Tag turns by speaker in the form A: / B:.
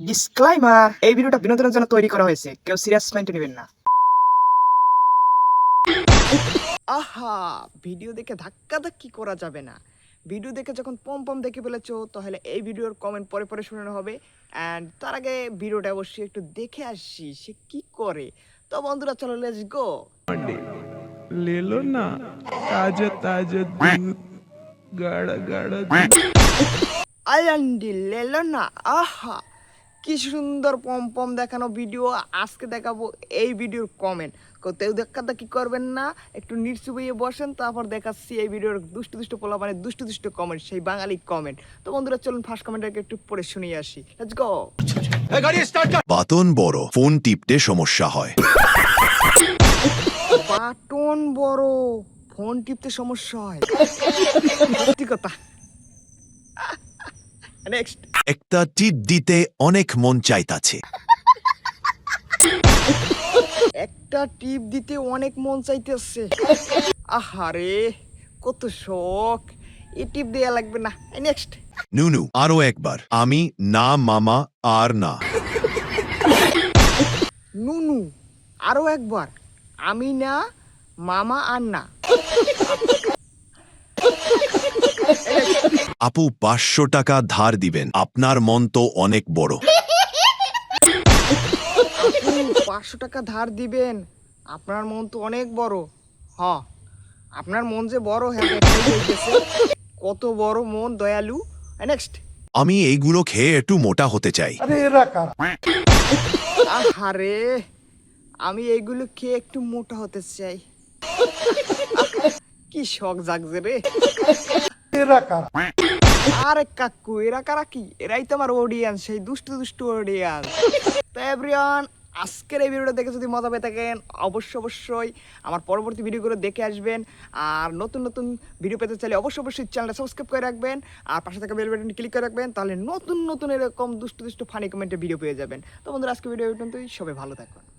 A: Disclaimer, এই ভিডিওটা বিনোদনের জন্য তৈরি করা হয়েছে, কেউ সিরিয়াস মাইন্ডে নেবেন না।
B: আহা, ভিডিও দেখে ধাক্কাধাক্কি করা যাবে না। ভিডিও দেখে যখন পম পম দেখে ফেলেছো তাহলে এই ভিডিওর কমেন্ট পরে পরে শোনানো হবে। অ্যান্ড তার আগে ভিডিওটা অবশ্যই একটু দেখে আসি সে কি করে। তো বন্ধুরা চলো লেটস গো।
C: ले लो ना ताजा ताजा दूध गाढ़ा गाढ़ा दूध।
B: আইলান্ডি লেলো না, আহা কি সুন্দর পম পম দেখানো ভিডিও। আজকে দেখাবো এই ভিডিওর কমেন্ট। কেউ ধাক্কাধাক্কি করবেন না, একটু নিচু হয়ে বসেন, তারপর দেখাচ্ছি এই ভিডিওর দুষ্টু দুষ্টু পোলা মানে দুষ্টু দুষ্টু কমেন্ট, সেই বাঙালি কমেন্ট। তো বন্ধুরা চলুন ফার্স্ট কমেন্টটাকে একটু পড়ে শুনিয়ে আসি, লেটস গো।
D: বাটন বড়, ফোন টিপতে সমস্যা হয়।
B: বাটন বড়, ফোন টিপতে সমস্যা হয়, সত্যি কথা। নেক্সট,
D: একটা টিপ দিতে অনেক মন চাইতাছে।
B: একটা টিপ দিতে অনেক মন চাইতেছে। আহারে কত শখ, এই টিপ দেয়া লাগবে না। নেক্সট,
D: নুনু, আরো একবার। আমি না মামা আর না।
B: নুনু আরো একবার। আমি না মামা আর না।
D: আপু 500 টাকা ধার দিবেন, আপনার মন তো অনেক বড়।
B: আপু 500 টাকা ধার দিবেন, আপনার মন তো অনেক বড়। হ, আপনার মন যে বড়, হ্যাঁ দেখাই যাইতেছে। কত বড় মন, দয়ালু। নেক্সট,
D: আমি এইগুলো খেয়ে একটু মোটা হতে চাই।
B: আহারে আমি এইগুলো খেয়ে একটু মোটা হতে চাই। কি শখ জাগছে রে। আরে কাকু, এরা কারা কি? এরাই তো আমার অডিয়েন্স, সেই দুষ্টু দুষ্টু অডিয়েন্স। তো এভরিওয়ান, আজকের এই ভিডিওটা দেখে যদি মজা পেয়ে থাকেন অবশ্যই আমার পরবর্তী ভিডিওগুলো দেখে আসবেন। আর নতুন নতুন ভিডিও পেতে চাইলে অবশ্যই চ্যানেলটা সাবস্ক্রাইব করে রাখবেন, আর পাশে থাকা বেল বাটনটি ক্লিক করে রাখবেন, তাহলে নতুন নতুন এরকম দুষ্টু দুষ্টু ফানি কমেন্টে ভিডিও পেয়ে যাবেন। তো বন্ধুরা আজকে ভিডিও পর্যন্তই, সবাই ভালো থাকুন।